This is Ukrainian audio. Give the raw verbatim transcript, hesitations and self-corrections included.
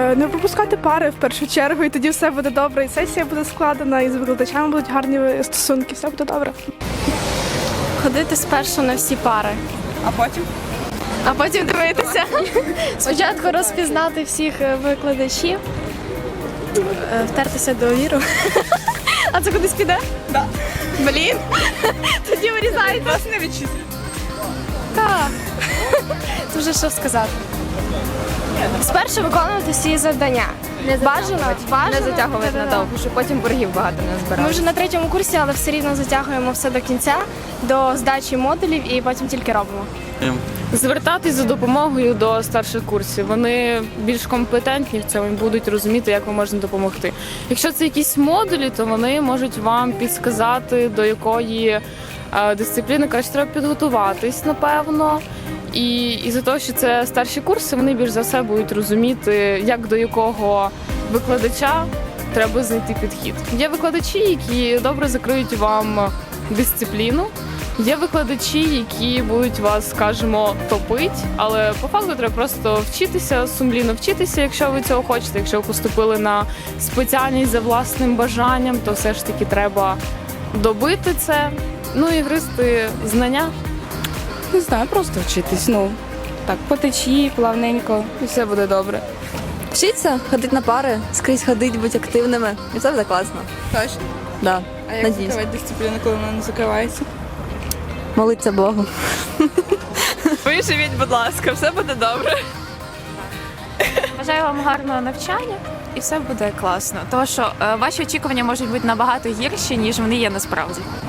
Е, Не пропускати пари в першу чергу, і тоді все буде добре, і сесія буде складена, і з викладачами будуть гарні стосунки, все буде добре. Ходити спершу на всі пари. А потім? А потім дивитися. Спочатку розпізнати всіх викладачів, е, втертися до віру. А це кудись піде? Да. Блін. Тоді вирізайте. Вас не відчислять. Так. Це вже що сказати. Спершу виконувати всі завдання. Не Бажано, затягувати, бажано. не затягувати Да-да-да. надовго, щоб потім боргів багато не Ми збирали. вже на третьому курсі, але все рівно затягуємо все до кінця, до здачі модулів і потім тільки робимо. Звертатись за допомогою до старших курсів. Вони більш компетентні в цьому і будуть розуміти, як ви можете допомогти. Якщо це якісь модулі, то вони можуть вам підсказати, до якої е, дисципліни краще треба підготуватись, напевно. І із-за того, що це старші курси, вони більш за все будуть розуміти, як до якого викладача треба знайти підхід. Є викладачі, які добре закриють вам дисципліну. Є викладачі, які будуть вас, скажімо, топити, але по факту треба просто вчитися, сумлінно вчитися, якщо ви цього хочете. Якщо ви поступили на спеціальність за власним бажанням, то все ж таки треба добити це, ну і гризти знання. Не знаю, просто вчитись. Ну так, по течії, плавненько, і все буде добре. Вчиться, ходити на пари, скрізь ходити, бути активними. І все буде класно. Точно. Да. А як Надіюсь. закривати дисципліну, коли вона не закривається? Молиться Богу. Виживіть, будь ласка, все буде добре. Бажаю вам гарного навчання і все буде класно. Тому що е, ваші очікування можуть бути набагато гірші, ніж вони є насправді.